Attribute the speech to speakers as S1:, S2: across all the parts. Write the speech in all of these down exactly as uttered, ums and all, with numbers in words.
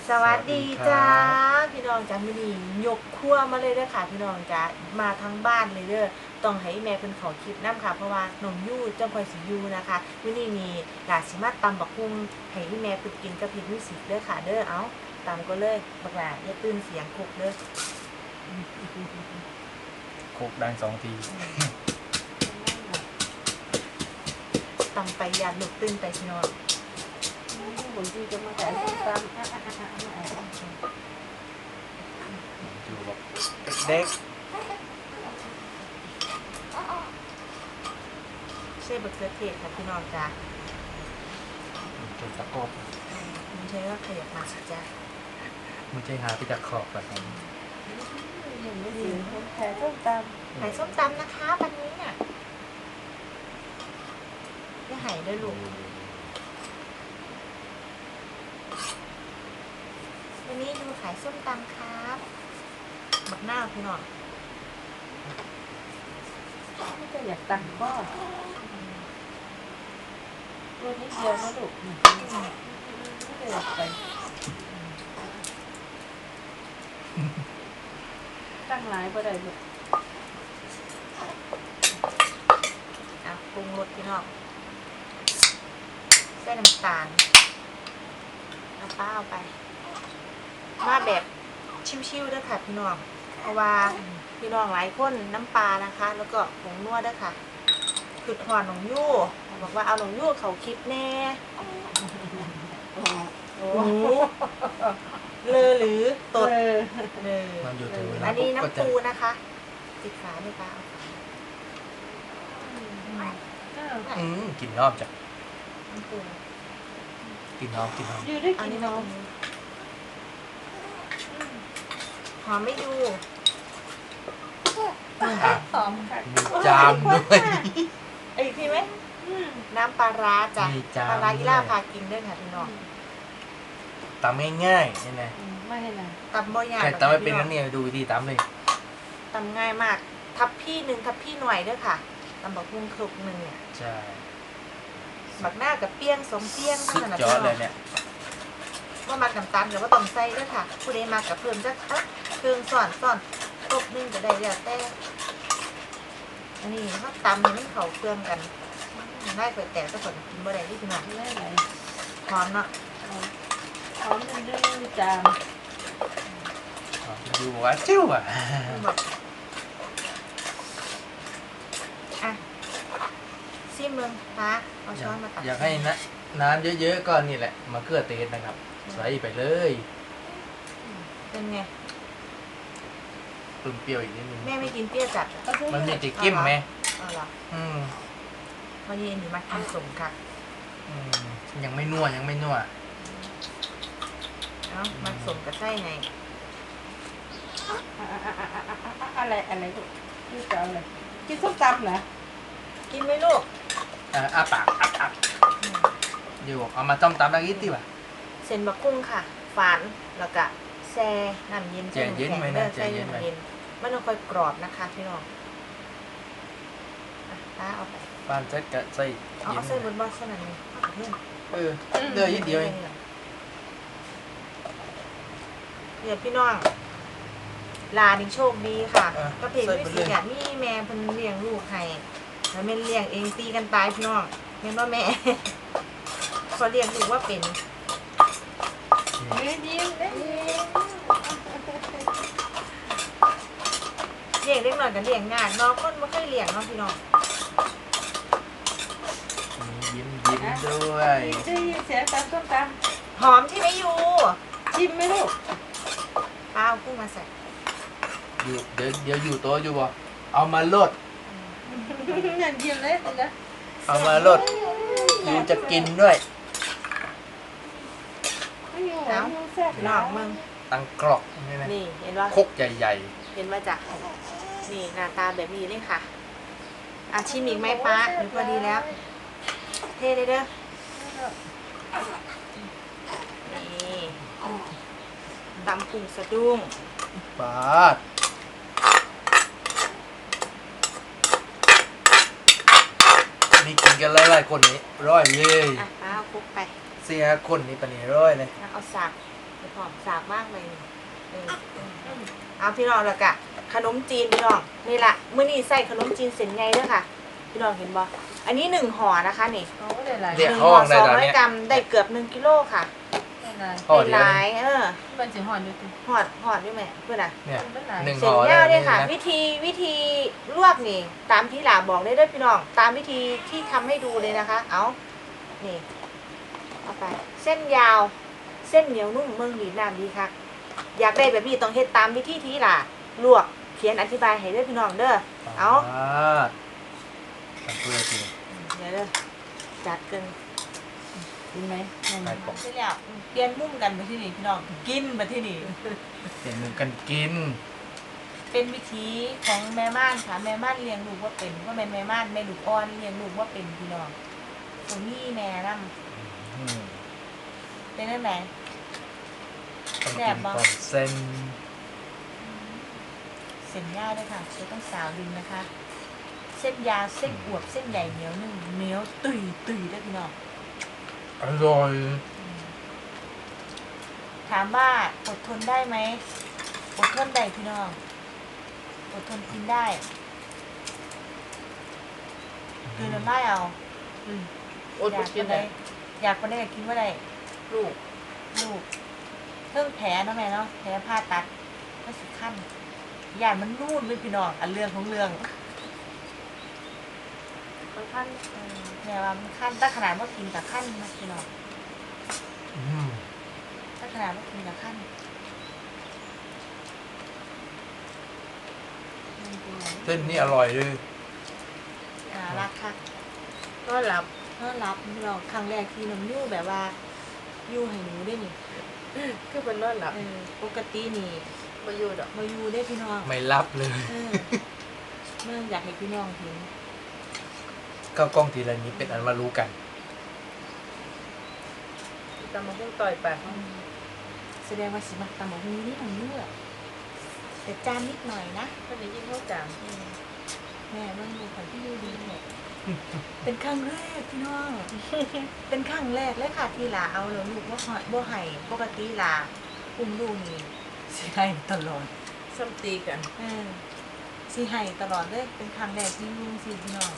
S1: สวัสดีจ้าพี่น้องจ้ามื้อนี้ยกครัวมาเลยเด้อค่ะพี่น้องจ้ามาทั้งบ้านเลยเด้อต้องให้แม่เพิ่นขอคลิปนำค่ะเพราะว่าน้องยู่จังค่อยสิอยู่นะคะมื้อนี้มีหลาสิมาตำบักหุ่งให้แม่เพิ่นกินกับเฮ็ดมิวสิกเด้อค่ะเด้อเอ้าตำก็เลยบักหลาอย่าตื่นเสียงคุกเด้อ
S2: โคกดังสองที
S1: ตำไปยานลูกตื่นไปพี่น้อง
S3: บางทีจะมาแต่ส้มตำ
S2: อยู่แบบเด็ก
S1: ใช่บักเขือเทศค่ะพี่น้องจ้า
S2: เก็บตะกบ
S1: มันใช่ว่าขยับมาสิจ้า
S2: มันใจหาไปจากขอบแบบนี้
S3: ยังไม่ถึงแผ่ส้มตำ
S1: ไข่ส้มตำนะคะวันนี้เนี่ยจะไห่ด้วยลูกวันนี้ดูขายส้มตำครับบักหน้าพี่น้อง
S3: ไม่จะอยากตังก็ตัวนี้เดียวนะลูกไม่ได้อยากไปตั้งหลายก็ได้ลูก
S1: อ่ะปรุงรสพี่น้องใส่น้ำตาลเอาป้าเอาไปมาแบบชิวๆด้วยค่ะพี่น้องเพราะว่าพี่น้องหลายคนน้ำปลานะคะแล้วก็ผงนัวด้วยค่ะคือหอนหนองยู่บอกว่าเอาหนองยู่เขาคลิปแน่โอ้เลอหรือตดเลยอันนี้น้ำปูนะคะติดฝาด้วยป้า
S2: อืมกินนอกจาก
S1: น้ำปู
S2: กินนอกกินนอก
S3: อยู่ได้กินน้อง
S1: หอมไม่ดู
S3: หอมค่ะ
S2: มีจามด้วย
S1: ไอ้พี่ไหมน้ำปลาร้าจ้ะปลาร้าอีล่าพากินด้วยค่ะพี่น้อง
S2: ตำง่ายๆนี่ไง
S3: ไม่ให้นะ
S1: ตำบ่อยาก
S2: ใครตำไม่เป็นนั่นเนี่ยดูวิธีตำเลย
S1: ตำง่ายมากทับพี่หนึ่งทับพี่หน่วยด้วยค่ะตำบักหุ่งคลุกหนึ่งเนี่ย
S2: ใช่
S1: บักหน้ากับเปี้ยงสมเปี้ยง
S2: สุดยอดเลยเนี่ย
S1: ว่ามากับตันหรือว่าต้องใส่ด้วยค่ะผู้ใดมากับเพิ่มจะเครื่องสอนสอนครบนึงก็ได้แล้วแต่อันนี้เขาตำให้มันเข้าเครื่องกันได้เปิดแต่ก็ผลกินบ่ได้ที่ขนาด
S3: ไม่ไหน
S1: หอมเนาะ
S3: หอมดื้อจาม
S2: ดูว่าจิ้วอ่ะ
S1: อ่ะซิมมึงนะเอาช้อนมาตัก
S2: อยากให้นะน้ำเยอะๆก็นี่แหละมะเขือเทศนะครับใส่ไปเลย
S1: เป็นไง
S2: ปรุงเปรี้ยวอีกนิดนึง
S1: แม่ไม่กินเปรี้ยวจัด
S2: มันมีติกิ้มไหม
S1: อ๋อเหรอ
S2: อืม
S1: วันนี้หนูมาทำสมค่ะ
S2: อืมยังไม่นัวยังไม่นัว
S1: เอ้ามาสมกับไส้ไง
S3: อะไรอะไรลูกนี่จะเอาอะไรกินส้มตำเหรอ
S1: กินไหมลูก
S2: อ่าอาปากอับอับอยู่เอามาต้มตำแล้วกินดีกว่า
S1: เส้นบะกุ้งค่ะฝานแล้วก็แช่น้ำเย็น
S2: ใจเย็นไหมนะใจเย็นไหม
S1: มันต้องค่อยกรอบนะคะพี่น้องป้าเอาไป
S2: ป้านเซ็ตกับใส่
S1: เอาเอาใส่บนบอสขนาดนี้
S2: เออเดือยนิดเดียวเอง
S1: เดี๋ยวพี่น้องลาดิโชคดีค่ะก็เพลงวิสิเนี่ยนี่แม่เพิ่นเลี้ยงลูกให้แล้วแม่เลี้ยงเองตีกันตายพี่น้องแม่ว่าแม่พอเลี้ยงลูกว่าเป็น
S3: ยิ้มยิ้มยิ้ม
S1: เลี้ยงเล็กหน่อยกันเลี้ยงง่ายน้องคนไม่ค่อยเลี้ยงน้องพี่น้อง
S2: ยิ้มยิ้มด้วย
S3: ได้ยินเสียงตำส้มต
S1: ำหอมใช่ไหมยู
S3: ชิมไหมลูก
S1: ป้าเอากุ้งมาใส่
S2: อยู่เดี๋ยวเดี๋ยวอยู่โต๊ะอยู่บ่เอามาลด
S3: อย่างยิ้มเลยนะ
S2: เอามาลดอยู่จะกินด้วย
S1: เอาหลอกมึง
S2: ตั้งกรอกนี่นะ
S1: นี่เห็นว่า
S2: คกใหญ่
S1: ๆเห็นว่าจ้ะนี่หน้าตาแบบนี้เลยค่ะอาชิมอีกไหมป้าหรือพอดีแล้วเทเลยเด้อนี่ตำกุ้งสะดุ้ง
S2: ปาดนี่กินกันหลายๆคนนี้ร้อยเลย
S1: อ่ะป้าเอาคุกไป
S2: เสียคนนี้ปะนี่ร้อยเลย
S1: เอาสากจะหอมสาบมากเลยเออเอาพี่น้องแล้วกะขนมจีนพี่น้องนี่แหละมื้อนี้ใส่ขนมจีนเส้นไงเด้อค่ะพี่น้องเห็นบ่อันนี้หนึ่งห่อนะคะนี่
S3: เอาได้หลาย
S2: เดี๋
S1: ห
S2: ยว
S1: นึ่ง
S2: เขา
S1: ห่
S2: อ
S1: อ
S2: อกใน
S1: สอง
S2: ตอน
S1: ร้อย
S2: เนี้ย
S1: กรัมได้เกือบหนึ่งกิโลค่ะ
S3: ได้หลาย
S2: ห่อ
S1: ได้
S2: เดี
S1: ห
S2: ยว
S1: ลายเออ
S3: มันสิหอนอยู่ติ
S1: หอดหอดด้วยแม่เพื่อนอ่ะ
S2: เนี่ย
S3: ได้หลาย
S2: หนึ่ง
S1: เส้น
S2: ห่อได้
S1: ยาว
S2: แบบ
S1: เนี่
S2: นี้
S1: ยค่ะ
S2: นะ
S1: วิธีวิธีลวกนี่ ตามที่หลาบอกได้ด้วยพี่น้อง ตามวิธีที่ทำให้ดูเลยนะคะ เอานี่เอาไป เส้นยาว เส้นเหนียวนุ่มเมืองดีน้ำดีค่ะ อยากได้แบบนี้ต้องเฮ็ดตามวิธีที่หลาลวกเขียนอธิบายให้ด้วยพี่น้องเด้อเอา
S2: ทำเพื่อจริง
S1: เดี๋ยวเด้อจัดกัน
S3: กินไหมนั่น
S2: ไปปก
S1: เสร็จแล้วเปลี่ยนมุมกันมาที่นี่พี่น้องกินมาที่นี่
S2: เห็นหนึ่งกันกิน
S1: เป็นวิธีของแม่ม่านค่ะแม่ม่านเลี้ยงลูกว่าเป็นว่าแม่แม่ม่านแม่ลูกอ่อนเลี้ยงลูกว่าเป็นพี่น้องตรงนี้แม่นั่ง
S2: อืม
S1: เป็นนั่นไหน
S2: ต้อง
S1: แซ่
S2: กิ
S1: บ
S2: น
S1: บ่
S2: ก่อนเส้น
S1: เส้นยาวด้วยค่ะจะต้องสาวดินนะคะ เส้นยาวเส้นอวบเส้นใหญ่เหนียวนึ่งเหนียวตุยตุยด้วยพี่น้อง
S2: อร่อย
S1: ถามว่าอดทนได้ไหมอดทนได้พี่น้องอดทนกินได้คือน้ำลายเอา
S3: อืมอ
S1: อ
S3: ด
S1: ยาก
S3: กิ
S1: กิ
S3: น
S1: น
S3: ได้
S1: ได้อยากกินได้ก็กินว่าได้
S3: ลูก
S1: ลูกเครื่องแผลเนาะแม่เนาะแผลผ่าตัดก็สิขั้นยานมันรูดเลยพี่น้องอันเรื่องของเรื่อง
S3: ค่อนข้าง
S1: เออแม่ว่ามันขั้นถ้าขนาดว่ากินกับขั้นนะพี่น้อง
S2: อืม
S1: ถ้าขนาดว่ากินกับขั้น
S2: เส้นนี่อร่อยเลย
S1: อ่ารักค่ะ
S3: ก็หลับ
S1: ต้อนรับพี่น้องครั้งแรกที่น้ำยู่แบบว่ายู่ให้หนูได้นี่
S3: คือเป็นนอนหลับ
S1: เออปกตินี่
S3: มาอยู่ดอก
S1: มาอยู่ได้พี่น้อง
S2: ไม่รับเลย
S1: เออเมื่ออยากให้พี่น้องเห็น
S2: เข้ากล้องทีละนี้เป็นอันมารู้กัน
S3: ตำมาพุ่งต่อยไป
S1: อืมแสดงว่าสิมักตำหมกฮูนี่น้ำยู่อะแต่จานนิดหน่อยนะ
S3: วันนี้กินข้าวจาน
S1: เออแม่เมื่อดูของพี่ยูดีเนี่ยเป็นครั้งแรกพี่น้อง เป็นครั้งแรกเลยค่ะที่หลาเอาแล้วลูกว่าบ่ให้ปกติหลาอุ้มลูกนี่สิให้ตลอด
S3: ซ้ำตีกัน
S1: เออสิให้ตลอดเลยเป็นครั้งแรกที่ลุงสิพี่น้อง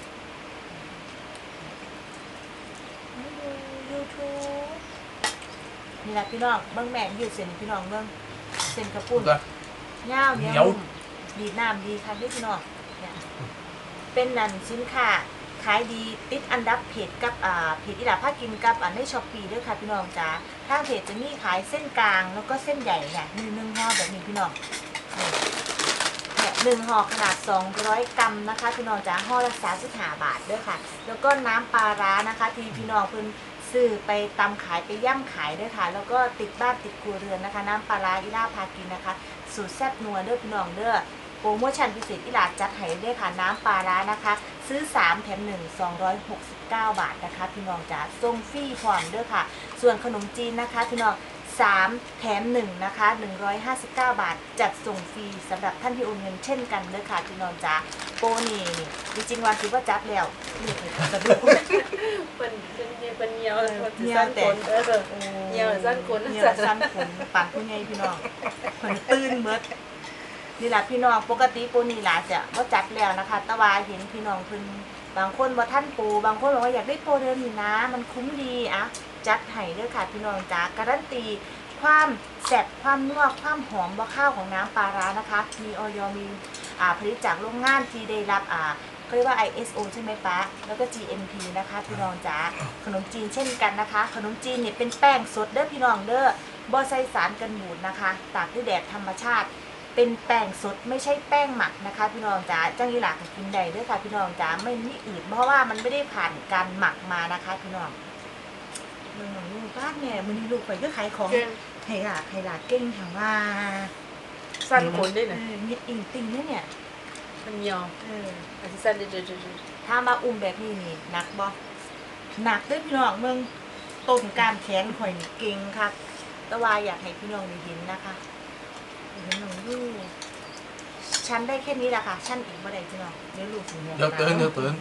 S1: ยูทูบนี่แหละพี่น้องเบิ้งแม่ยืดเส้นพี่น้องเบิ้งเส้นกระปุ่น
S2: ก็
S1: ยาวเหนี
S2: เหนี
S1: ย
S2: ยว ว
S1: ดีดน้ำดีค่ะพี่น้องเนี่ยเป็นนันสินค้าขายดีติดอันดับเพจกับอ่าเพจอีหลาภากินกับอันในช้อปปี้ด้วยค่ะพี่น้องจ้าทางเพจจะมีขายเส้นกลางแล้วก็เส้นใหญ่เนี่ยมีหนึ่งห่อแบบนี้พี่น้องนี่เนี่ยหนึ่งห่อขนาดสองร้อยกรัมนะคะพี่น้องจ้าห่อละสามสิบห้าบาทด้วยค่ะ แล้วก็น้ำปลาร้านะคะที่พี่น้องเพิ่นซื้อไปตำขายไปย่ำขายด้วยค่ะ แล้วก็ติดบ้านติดครัวเรือนนะคะ น้ำปลาร้าอีลาพากินนะคะสูตรแซ่บนัวเด้อพี่น้องเด้อโปรโมชั่นพิเศษอีหลาจัดให้ด้วยค่ะน้ำปลาร้านะคะ ซื้อสามแถมหนึ่ง สองร้อยหกสิบเก้าบาทนะคะพี่น้องจ๋าส่งฟรีพร้อมเด้อค่ะ ส่วนขนมจีนนะคะพี่น้องสามแถมหนึ่งนะคะหนึ่งร้อยห้าสิบเก้าบาทจัดส่งฟรีสำหรับท่านที่โอนเงินเช่นกันเด้อค่ะพี่น้องจ๋าโปรนี่จริงๆว่าคิดว่าจับแล้วนี่คือสะดุ้ง
S3: เป็นเป็นเป็นเหี่ยว
S1: เออ
S3: คน
S1: เหี่
S3: ที่
S1: ยว
S3: สั้น
S1: แต่
S3: คนเออเหี่ยวสั้นคน
S1: เหี่ยวสั้นขนปั่นผู้ใหญ่พี่น้องเพิ่นตื่นเบิดนี่แหละพี่น้องปกติโปรนี่หลาจะว่าจัดแล้วนะคะแตะวาเห็นพี่น้องเพิ่นบางคนบ่ท่านโปรบางคนบอกว่าอยากได้โปรเดิมนี่นะ มันคุ้มดีอะจัดให้เด้อค่ะพี่น้องจ๋าการันตีความแซ่บความนัวความหอมบ่ข้าวของน้ำปลาร้านะคะ มีออยมีอ่าผลิตจากโรงงานที่ได้รับอ่าเขาเรียกว่า ไอ เอส โอ ใช่ไหมป๊าแล้วก็ จี เอ็ม พี นะคะพี่น้องจ๋าขนมจีนเช่นกันนะคะ ขนมจีนเนี่ยเป็นแป้งสดเด้อพี่น้องเด้อบ่ใส่สารกันบูดนะคะตากด้วยแดดธรรมชาติ เป็นแป้งสดไม่ใช่แป้งหมักนะคะพี่น้องจ๋าจังยี่หลักกินได้เด้วยค่ะพี่น้องจ๋าไม่มีอืดเพราะว่ามันไม่ได้ผ่านการหมักมานะคะพี่น้องมึงหนูลูกบ้านเนี่ยมันนี่ลูกไปก็ขายของ
S3: เก่ง
S1: ให้หลากให้หลากเก่งถามว่า
S3: สั้นคนได้
S1: เอ
S3: นะ
S1: อมีอิงติงเนี่ยเนี่ย
S3: มันเหี่ยว
S1: เออ
S3: อันที่สั้นเดือด
S1: ถ้ามาอุ้มแบบนี้นี่หนักบ่หนักเด้วยพี่น้องมึงต้นการแขนข่อยนี่เก่งค่ะแต่ว่าอยากให้พี่น้องได้เห็นนะคะเห็นหนูอยู่ชั้นได้แค่นี้แหละค่ะชั้นอีกบ่ได้พี่น้องเดี๋ยวลูกถึง
S2: เดี๋ยวตื่นเดี๋ยวตื่น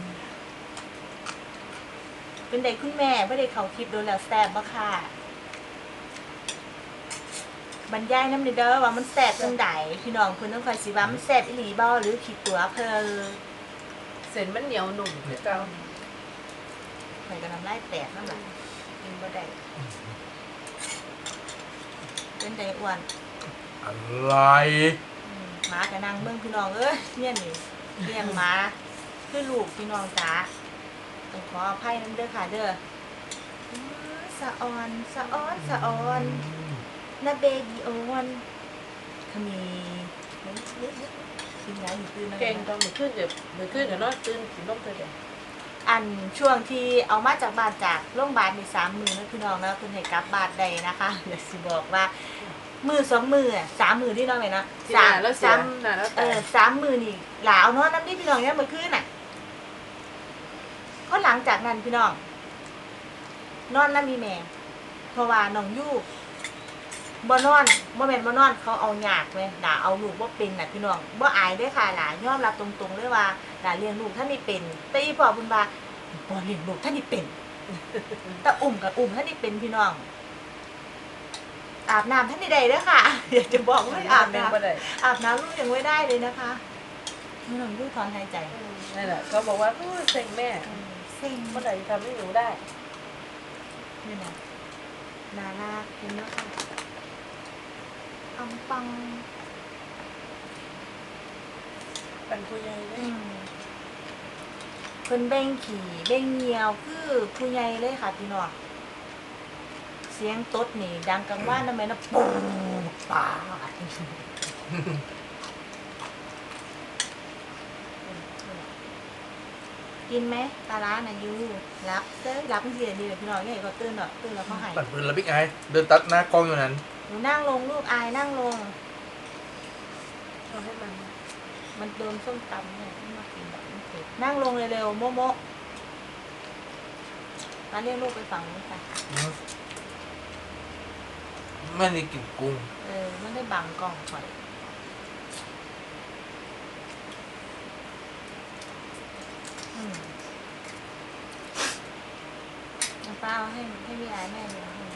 S1: เป็นเด็กคุณแม่ไม่ได้เขาคลิปโดนแล้วแซ่บบ่ค่ะบรรยายน้ำเด้อว่ามันแซ่บจังไดพี่น้องเพิ่นต้องคอยสิว่ามันแซ่บอีหลีบ่หรือผิดตัวเพิ่น
S3: เส้นมันเหนียวหนุ่มคือเก่า
S1: ข่อยก็น้ำลายแตกนั่นแหละกินบ่ได้เป็นไดอ้วน
S2: อะไร
S1: อืมหมาก็นั่งเบิ่งพี่น้องเอ้ยเนี่ยนี่เลี้ยงหมาคือลูกพี่น้องจ๋าต้องขออภัยนำเด้อค่ะเด้ออื้อสะออนสะออนสะออนนะเบบีออนขมีเฮ้ยเฮ้ยเฮ้ยกินไรอยู่ตื่นแล้ว
S3: เก่ง
S1: นะ
S3: ตอนมื้อคืนเดี๋ยวมื้อคืนเดี๋ยวนอนตื่นกินนมเธอเดี๋ยว
S1: อันช่วงที่เอามาจากบ้านจากโรงพยาบาลในสามมือนะพี่น้องแล้วคุณให้กลับบ้านใดนะคะอยากสิบอกว่ามือสองมืออ่ะสามมือที่น้องเลยนะ
S3: ที่
S1: สา
S3: หน้าม แล้วเสีย
S1: สาม
S3: หน้าแล้ว
S1: เอ
S3: แต่
S1: อสามมือนี่หลาเอานอนน้ำที่พี่น้องเนี่ยเมื่อคืนน่ะเพราะหลังจากนั้นพี่น้อง นอนน้ำมีแม่เพราะว่าน้องยู่บ่นอนบ่แม่นบ่นอนเขาเอาหยากเว้ยด่าเอาลูกบ่เป็นน่ะพี่น้องบ่อายเด้อค่ะหลานยอมรับตรงๆเลยว่าหลานเลี้ยงลูกท่านนี่เป็นแต่อีพ่อบุญว่าบ่เลี้ยงลูกท่านนี่เป็น แต่อุ่มกับอุ่มท่านนี่เป็นพี่น้อง อาบน้ำท่านนี่ได้เด้อค่ะ อยากจะบอกว่าอาบน้
S3: บ่ได้
S1: ำอาบน้ำลูกยังไม่ได้เลยนะคะไม่น้องยู่ถอนหายใจ
S3: นั่นแหละเขาบอกว่าโอ้ยเซ็งแม่
S1: เซ็ง
S3: เมื่อไหร่จะทำให้หนูได้
S1: นี่นะนาลากเห็นแล้วค่ะอังปัง
S3: เป็นผู้ใหญ่เล
S1: อื
S3: ย
S1: มเพิ่นเบ่งขี่เบ่งเหนียวคือผู้ใหญ่เลยค่ะพี่น้องเสียงตดนี่ดังกังว่านนะแม่นะปูปาดกินไหมปลาร้าน่ะยูรับเต้ยรับเสียดีเลยพี่น้องใหญ่ก็ตื่นหรอกตื่นแล้วเขาหาย
S2: ปั่นปืนแล้วบิ๊กไอเดินตัดหน้ากล้องอยู่นั้น
S1: หนูนั่งลงลูกอายนั่งลง
S3: เอาให้มัน
S1: มันโดนส้มตำเนี่ยไม่มากินแบบนี้เผ็ดนั่งลงเร็วๆโมโมมาเรียกลูกไปฝั่งนู้นค่ะ
S2: ไม่ได้กินกุ้ง
S1: เออมันได้บังกล่องถอยอืมน้ำเปล่าให้ให้พี่อายแม่เลยให้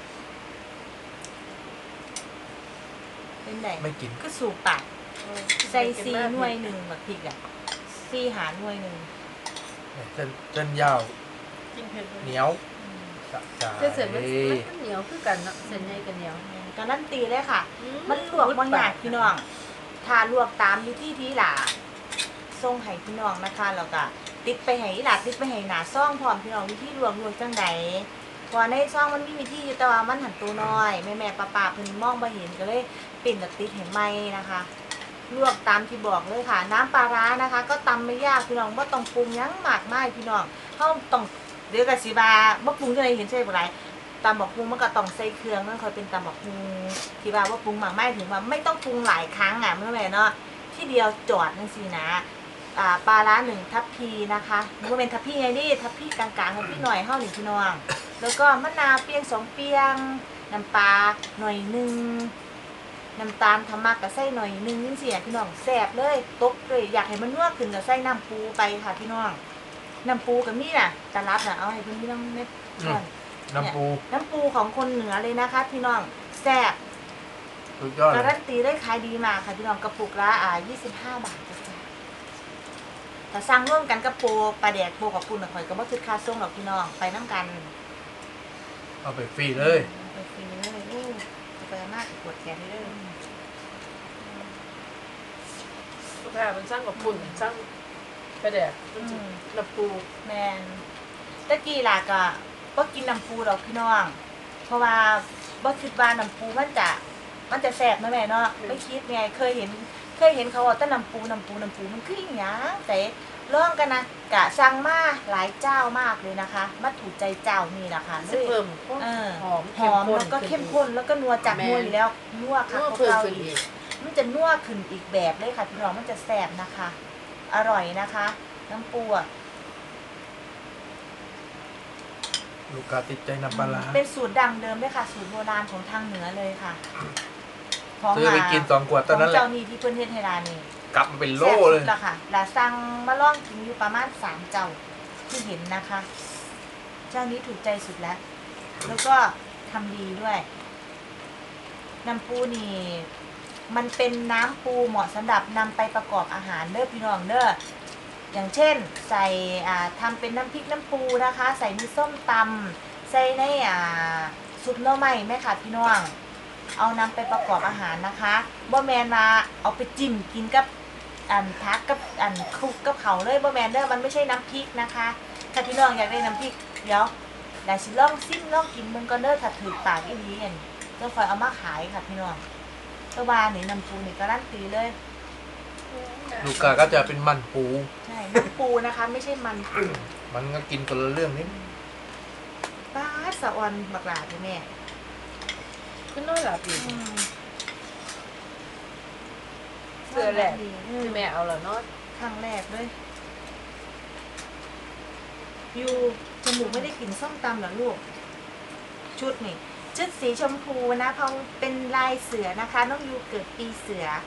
S1: เป็นไง
S2: ไม่กิน
S1: ก็สูบปากใส่ซีหน่วยหนึ่งแบบพริกอ่ะซีหาหน่วยหนึ่ง
S2: เส้นเส้นยาว
S3: กินเผ็ด
S2: เหนียวสะใจ
S3: เส้นเสร็จมันมันเหนียวคือกันเนาะเส้นใหญ่กันเหนียว
S1: การันตีเลยค่ะ มันลวกบางอย่างพี่น้องถ้าลวกตามวิธีที่หล่าส่งให้พี่น้องนะคะแล้วก็ติดไปให้หล่าติดไปให้หนาซ่องพร้อมพี่น้องวิธีลวกลวกจังใดพอในซ่องมันมีวิธีอยู่แต่ว่ามันหันตัวน้อยแม่แม่ป้าป้าเพิ่นมองบ่เห็นก็เลยปิ่นกับติดให้ไหมนะคะ ลวกตามที่บอกเลยค่ะ น้ำปลาร้านะคะ ก็ตำไม่ยากพี่น้องว่าต้องปรุงหยังมากมายพี่น้องเขาต้องเดี๋ยวกับสีบาว่าปรุงจะไหนเห็นใช่ไหมไรตำบอกปรุงมันก็ต้องใส่เครื่องนั่นคอยเป็นตำบอกปรุงที่ว่าว่าปรุงมากไม่ถึงว่าไม่ต้องปรุงหลายครั้งอ่ะเมื่อไหร่เนาะที่เดียวจอดนั่นสินะอ่าปลาร้าหนึ่งทัพพีนะคะมันก็เป็นทัพพีไงนี่ทัพพีกลางๆทัพพีหน่อยเข้าหนึ่งพี่น้องแล้วก็มะนาวเปียงสองเปียงน้ำปลาหน่อยหนึ่งน้ำตาลทำมากกับไส้หน่อยนึงนี่สิพี่น้องแสบเลยตกเลยอยากให้มันนัวขึ้นกับไส้น้ำปูไปค่ะพี่น้องน้ำปูกับนี่น่ะตะลับน่ะเอาให้เพื่อนพี่น้องเม็ดก่อน
S2: น้ำปู
S1: น้ำปูของคนเหนือเลยนะคะพี่น้องแซ่บ
S2: สุดยอดเล
S1: การั
S2: ย
S1: นตีได้ขายดีมากค่ะพี่น้องกระปุกละอ่ายี่สิบห้าบาทจ้ะจ้ะถ้าสั่งร่วมกันกับโปรปลาแดกโปรกับปูนข่อยก็บ่คิดค่าส่งหรอกพี่น้องไปน้ำกัน
S2: เอาไปฟรีเลย
S1: ไปฟรีเลยโอ้ไปมากปวดแขนเลย
S3: ลูกค้ามันสร้างกับปุ่นสร้างกระแดกน้ำปู
S1: แมนตะกี้ล่ะก็บ่กินน้ำปูหรอกพี่น้อง เพราะว่าบ่คิดว่าน้ำปูมันจะมันจะแซ่บนะแม่เนาะไม่คิดไงเคยเห็น เคยเห็นเขาว่าแต่น้ำปูน้ำปูน้ำปูมันคืออีหยังแต่ลองกันนะกะสั่งมาหลายเจ้ามากเลยนะคะมาถูกใจเจ้านี่นะคะเล
S3: จะ
S1: ย
S3: เพิ่ม
S1: เออ
S3: หอม
S1: หอมแล้วก็เข้มข้นแล้วก็นัวจากนัวอยู่แล้วนัวค่ะ
S3: ก็
S1: พวก
S3: เพิ่ม
S1: เรา
S3: ขึ้น
S1: อี
S3: อี
S1: ก
S3: ก
S1: มันจะนัวขึ้นอีกแบบเลยค่ะพี่น้องมันจะแซ่บนะคะ อร่อยนะคะ น้ำปูอ่ะ
S2: ลูกค้าติดใจน้ำปลาร้า
S1: เป็นสูตรดังเดิมด้วยค่ะ สูตรโบราณของทางเหนือเลยค่ะ
S2: ซื้อไปกินสองขวดตอนนั้น
S1: ของ
S2: แหละ
S1: เจ้านี่ที่เพื่อนเทศไทยรานี่
S2: กลับมาเป็นโล
S1: แซ่บสุ
S2: เล
S1: ด
S2: ย
S1: ละค่ะลาสั่งมาล่องกินอยู่ประมาณสามเจ้าที่เห็นนะคะ เจ้านี้ถูกใจสุดแล้ว แล้วก็ทำดีด้วยน้ำปูนี่มันเป็นน้ำปูเหมาะสำหรับนำไปประกอบอาหารเด้อพี่น้องเด้ออย่างเช่นใส่อ่าทำเป็นน้ำพริกน้ำปูนะคะ ใส่มีส้มตำใส่ในอ่าซุปหน่อไม้แม่ค่ะพี่น้องเอานำไปประกอบอาหารนะคะบ่แมนมาเอาไปจิ้มกินกับอันพักกับอันคลุกกับเขาเลยบ่แมนเด้อมันไม่ใช่น้ำพริกนะคะถ้าพี่น้องอยากได้น้ำพริกเดี๋ยวเดี๋ยวสิลองซิมลองกินมึงก็เด้อถ้าถือปากอีนี้อันต้องคอยเอามาขายค่ะพี่น้องตัวบานี่น้ำปูนี่การันตีเลย
S2: ลูกกาก็จะเป็นมันปู
S1: ใช่น้ำปูนะคะ ไม่ใช่มันปู
S2: มันก็กินคนละเรื่องนิด
S1: ป้าดสะออนบักหลาพี่แม่
S3: ก็นอนหลับอยู่
S1: อืม
S3: เสื้อแหละ
S1: ดี
S3: ที่แม่เอาเหรอเนาะ
S1: ครั้งแรกเลยยูจมูกไม่ได้กลิ่นส้มตำเหรอลูก ชุดนี่ชุดสีชมพูนะเพราะเป็นลายเสือนะคะ น้องยูเกิดปีเสือ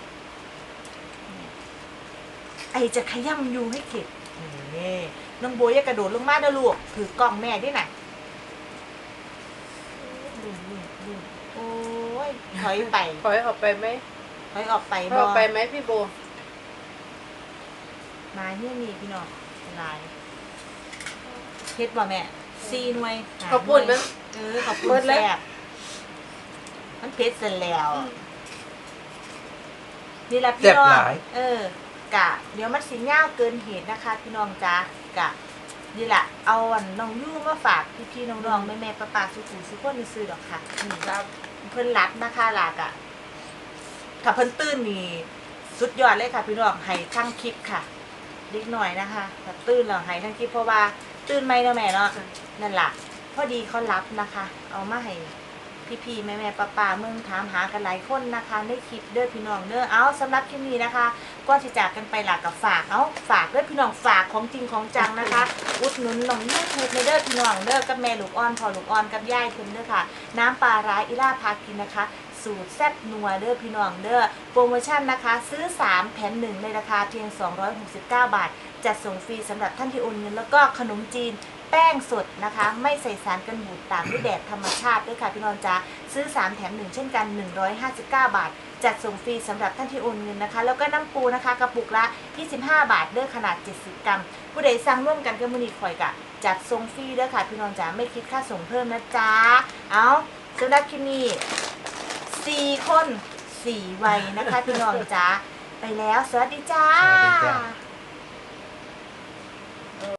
S1: ไอจะขย้ำยูให้เข็ดนี่น้องโบยอย่ากระโดดลงมาเด้อลูกถือกล่องแม่ด้วยน่ะลุ่มลุ่มลุ่มโอ้ยถอยไป
S3: ปล่อยออกไปไหม
S1: ถอยออกไป
S3: ปล่อย
S1: บ
S3: อ
S1: อ
S3: อกไปไหมพี่โบ
S1: มาเนี่ยนี่พี่น้องลายเฮ็ดบ่แม่ซีหน่วยหา
S3: ขอบคุณ
S1: หน่
S3: มั้
S1: วย
S3: ย
S1: เออขอบคุ
S3: เบิ
S1: ณ
S3: ดเลย
S1: แซ่บมันเผ็ดเสร็จแล้วนี่แหละ
S2: แซ่
S1: พี่
S2: บ
S1: น้อง
S2: หลาย
S1: เออกะ เดี๋ยวมันสิยาวเกินเหตุนะคะ พี่น้องจ้ากะนี่แหละเอาอันน้องยู่มาฝากพี่ๆน้องๆแม่ๆป้าๆสุๆสุคนซื้อดอกค่ะนี่
S3: ครับ
S1: เพิ่นรัดนะคะหลากอะถ้าเพิ่นตื่นนี่สุดยอดเลยค่ะพี่น้องให้ทั้งคลิปค่ะเล็กหน่อยนะคะถ้าตื่นแล้วให้ทั้งคลิปเพราะว่าตื่นไม่เนาะแม่เนาะนั่นล่ะพอดีเขารับนะคะ เอามาให้พี่ๆแม่ๆป้าๆเมืองถามหากันหลายคนนะคะในคลิปเด้อพี่น้องเด้อเอาสำหรับคลิปนี้นะคะก่อนที่จากกันไปหลักกับฝากเอาฝากเด้อพี่น้องฝากของจริงของจังนะคะ อุดหนุนน้องยูทูบในเด้อพี่น้องเด้อกับแม่ลูกอ่อนพ่อลูกอ่อนกับย่ายเพิ่นเด้อค่ะ น้ำปลาร้าอิล่าพากินนะคะ สูตรแซ่บนัวเด้อพี่น้องเด้อโปรโมชั่นนะคะ ซื้อสามแถมหนึ่งในราคาเพียงสองร้อยหกสิบเก้าบาทจัดส่งฟรีสำหรับท่านที่โอนเงินแล้วก็ขนมจีนแป้งสดนะคะ ไม่ใส่สารกันบูดตากด้วยแดดธรรมชาติด้วยค่ะพี่น้องจ้าซื้อสามแถมหนึ่งเช่นกันหนึ่งร้อยห้าสิบเก้าบาทจัดส่งฟรีสำหรับท่านที่โอนเงินนะคะแล้วก็น้ำปูนะคะกระปุกละยี่สิบห้าบาทเด้อขนาดเจ็ดสิบกรัมผู้ใดสั่งร่วมกันกับมือนีข่อยกะจัดส่งฟรีเด้อค่ะพี่น้องจ้าไม่คิดค่าส่งเพิ่มนะจ๊ะเอาสำหรับคลิปนี้สี่คนสี่วัยนะคะพี่น้องจ้าไปแล้วสวัสดีจ้า
S2: สวัสดีจ้า